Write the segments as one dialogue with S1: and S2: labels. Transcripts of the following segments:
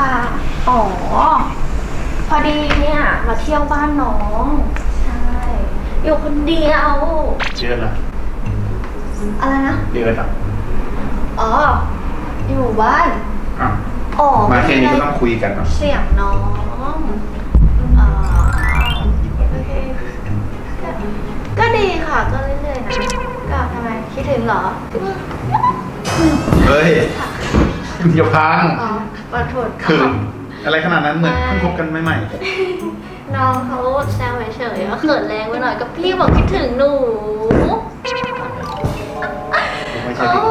S1: อ๋อพอดีเนี่ยมาเที่ยวบ้านน้องใช่อยู่คนเดียว
S2: เดือนละ
S1: อะไรนะ
S2: เดือนอ่ะ
S1: อ๋ออยู่บ้าน
S2: อ่ะ
S1: อ๋อ
S2: มาแค่นี้ก็ต้องคุยกันเนาะ
S1: เสียงน้องอ๋อโอเคก็ดีค่ะก็เรื่อยๆนะก็ทำไมคิดถึงเหรอ
S2: เฮ้ยอย่าพัง
S1: อ๋อขอโทษ
S2: คืออะไรขนาดนั้นเหมือนเพิ่งคบกันใหม่
S1: น้องเขาแซวเฉยๆว่าเขินแรงไปหน่อยก็พี่บอกคิดถึงหนู
S2: ไม่ใช่พี่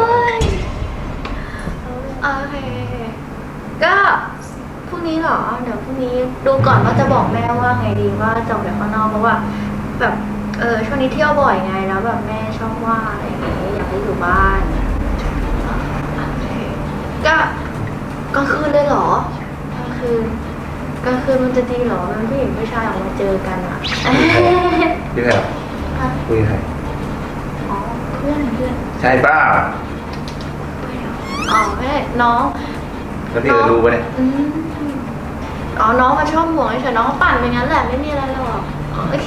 S1: โอเคก็พรุ่งนี้เหรอเดี๋ยวพรุ่งนี้ดูก่อนว่าจะบอกแม่ว่าไงดีว่าจะออกไปข้างนอกเพราะว่าแบบช่วงนี้เที่ยวบ่อยไงแล้วแบบแม่ชอบว่าอะไรอย่างเงี้ยอยากให้อยู่บ้านก็กลางคืนเลยเหรอกลางคืนมันจะดีเหรอมันผู้หญิงผู้ชายออกมาเจอกันอ่ะ
S2: เดือนคุยใคร
S1: อ๋อเพื่อน
S2: ใช่ป้า
S1: อ๋อแม่น้อง
S2: แล้วพี่รู้ปะเนี่ย
S1: อ๋อน้องมาชอบห่วงเฉยน้องปั่นไปงั้นแหละไม่มีอะไรหรอกโอเค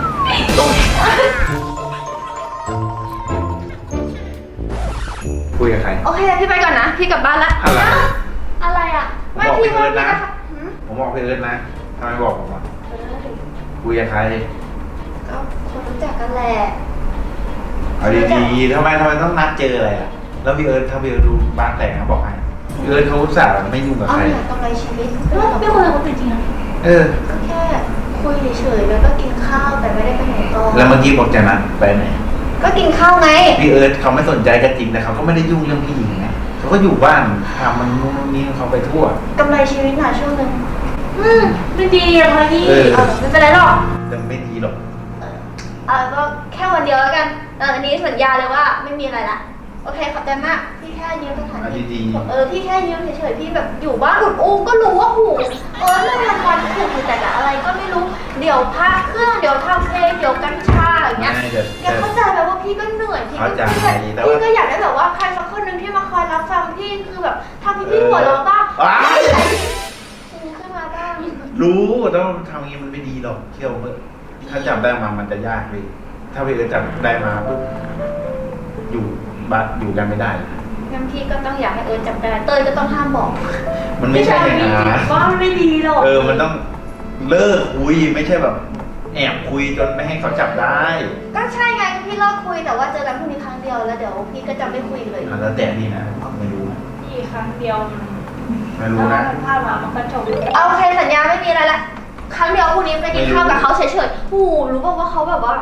S2: คุยกับใคร
S1: โอเคพี่ไปก่อนนะพี่กลับบ้านละอะไรอ่ะ
S2: ไม่พี่เอิร์ธนะผมบอกพี่เอิร์ธนะทำไมบอกผมอ่ะคุยกับใคร
S1: ก็คนรู้จักกันแหละ
S2: เอาดีๆทำไมต้องนัดเจออะไรอ่ะแล้วพี่เอิร์ธถ้าพี่เอิร์ธรู้บ้านแต่งเขาบอกให้พี่เอิร์ธเขาอุตส่าห์ไม่ยุ่งกับใคร
S1: เนี่ยกำไรชีวิตไม่ควรเอาจริงๆนะแค่คุยเฉยๆแล้วก็กินข้าวแต่ไม่ได้ไปไหนต่อ
S2: แล้วเมื่อกี้บอกจะนัดไปไหน
S1: ก็กินข้าวไง
S2: พี่เอิร์ธเขาไม่สนใจกันจริงแต่เขาก็ไม่ได้ยุ่งเรื่องพี่หญิงไงเขาก็อยู่บ้านทำมันนู่นนี่เขาไปทั่ว
S1: กำไรชีวิตหน่อยช่วงนึงไม่ดีอะพี่ไม่เป็นไรหรอก
S2: แต่ไม่ดีหรอก
S1: ก็แค่วันเดียวแล้วกันอันนี้สัญญาเลยว่าไม่มีอะไรละโอเคขอบใจมากพี่แค่ยืมสถานที่พี่แค่ยืมเฉยๆพี่แบบอยู่บ้านอุดอู้ก็รู้ว่าหูเรื่องละครถูกอยู่แต่อะไรก็ไม่รู้เดี๋ยวพักเครื่องเดี๋ยวทำเพลงเดี๋ยวกัญชาอะไรเงี้ยเดี๋ยวเข้าใจแบบว่าพี่ก็เหนื่อยพี่ก็อยากได้แบบว่าใครสักคนหนึ่งที่มาคอยรับฟังพี่คือแบบทำพี่หัวเราะบ้างขึ้นมาบ้าง
S2: รู้ต้องทำอย่างนี้มันไม่ดีหรอกเที่ยวเมื่อถ้าจับได้มามันจะยากเลยถ้าพี่จะจับได้มาปุ๊บอยู่บ้านอยู่กันไม่ได้
S1: งั้นพี่ก็ต้องอยากให้จับได้เต้ยก็ต้องห้ามบอก
S2: มันไม่ใช่อย่างนั้น
S1: ว่ามันไม่ดีหรอก
S2: มันต้องเลิกคุยไม่ใช่แบบแอบคุยจนไม่ให้เขาจับได้
S1: ก็ใช่ไงพี่เลิกคุยแต่ว่าเจอกันพรุ่งนี้ครั้งเดียวแล้วเดี๋ยวพี่ก็จะไม่คุยเลย
S2: แล้วแต่นี่นะไม่รู้
S1: พี่ครั้งเดียว
S2: ไม่รู้นะ
S1: พลาดมามันก็จบโอเคสัญญาไม่มีอะไรละครั้งเดียวพรุ่งนี้ไปกินข้าวกับเขาเฉยๆรู้ป่าวว่าเขาแบบว่า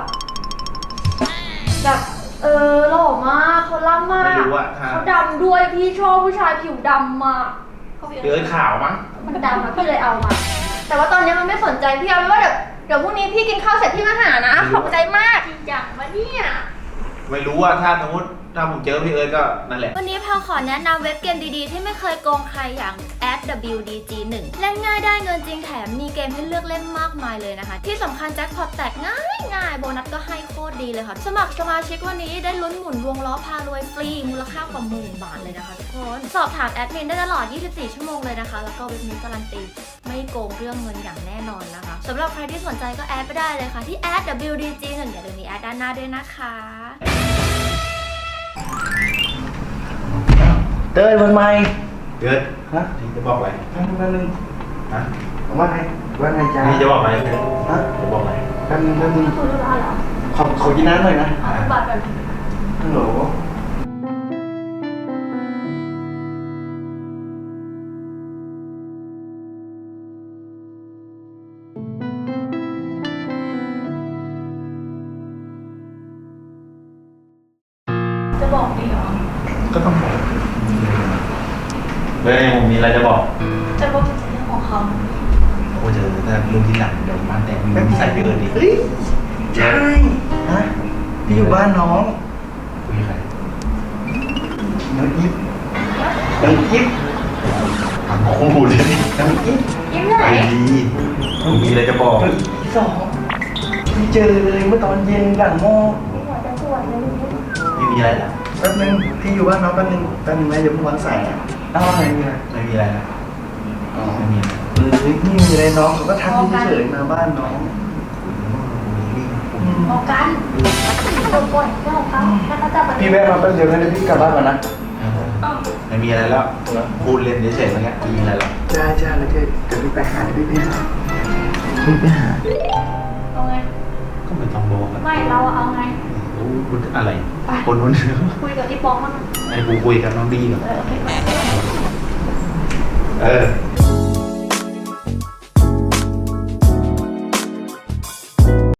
S1: แบบหล่อมากเขาล่ำมากเขาดำด้วยพี่ชอบผู้ชายผิวดำมาก
S2: เดินขาวมั้ง
S1: มันดำนะพี่เลยเอามาแต่ว่าตอนนี้มันไม่สนใจพี่เอาไว้ว่าเดี๋ยวพรุ่งนี้พี่กินข้าวเสร็จพี่มาหานะขอบใจมากจริงจังวะเนี่ย
S2: ไม่รู้ว่าถ้าสมมติถ้าผมเจอพี่เอิร์ธก็นั่นแหละ
S1: วันนี้แพลขอแนะนำเว็บเกมดีๆที่ไม่เคยโกงใครอย่าง @WDG1 เล่นง่ายได้เงินจริงแถมมีเกมให้เลือกเล่นมากมายเลยนะคะที่สำคัญแจ็คพอตแตกง่ายโบนัสก็ให้โคตรดีเลยค่ะสมัครสมาชิกวันนี้ได้ลุ้นหมุนวงล้อพารวยฟรีมูลค่ากว่า10,000 บาทเลยนะคะทุกคนสอบถามแอดมินได้ตลอด24 ชั่วโมงเลยนะคะแล้วก็เว็บนี้การันตีไม่โกงเรื่องเงินอย่างแน่นอนนะคะสำหรับใครที่สนใจก็แอดไปได้เลยค่ะที่ @WDG1 อย่าลืมมีแอดด้านหน้าด้วยนะคะ
S3: เต้ยวันใหม่
S2: เกิดนี่จะบอกอะไร
S3: แป๊บนึง
S2: ฮะ
S3: ว่าไงจ้า
S2: นี่จะบอกอะไร
S3: ฮะ
S2: จะบอกอะไร
S3: แป๊บนึง
S1: คุยรู้ได้เหรอ
S3: ขอกินน้ำหน่อยนะ
S1: บัตรกัน
S3: ฮัลโหล
S1: จะบอกดีเหรอ
S2: ก็ต้องบอกเลยผมมีอะไรจะบอก
S1: จะบอกถึงเรื่องของเขา
S2: โอ้เจอแต่เรื่องที่หลังเดี๋ยวบ้านแต่งมีใส่ไปเอิญดิ
S3: ใช่ฮะพี่อยู่บ้านน้อง
S2: คุยใคร
S3: น้องอิฟ
S2: โอ้โหเลย
S3: น้องอิฟ
S1: ไหน
S2: ดีผมมีอะไรจะบอก
S3: ที่2พี่เจอเลยเมื่อตอนเย็นหลังโม
S2: ไม่มีอะไรหรอ
S3: แป๊บนึงพี่อยู่บ้านน้องแป๊บนึงนะเดี๋ยวผมวางสายอะไร
S2: ไม่มีอะไรนะอ๋อไม่มีอะไร
S3: นี่มีอะไรน้องเขาก็ทักเฉยๆมาบ้านน้อง
S1: มองกันโดนก่อนเจ้าของเขาถ้าเขาจับมัน
S3: พี่แวะมาแป๊บเดียวนะเดี๋ยวพี่กลับบ้านก่อนนะ
S2: ไม่มีอะไรแล้วพูดเล่นเฉยๆเมื่อกี้ไม่มีอะไรหรอก
S3: ใช่ใช่แล้วเดี๋ยวพี่ไปหาพี่ไปหาพี่ไปหา
S1: เอาไง
S2: ก็ไม่ต้องบอกอะ
S1: ไม่เราเอาไง
S2: โอ้พูดอะไร
S1: ไป
S2: คนนู้น
S1: คุยกับที่ป้องมั้ง
S2: ไอ้กูคุยกับน้องดีก่อน
S1: โอเค
S2: เออ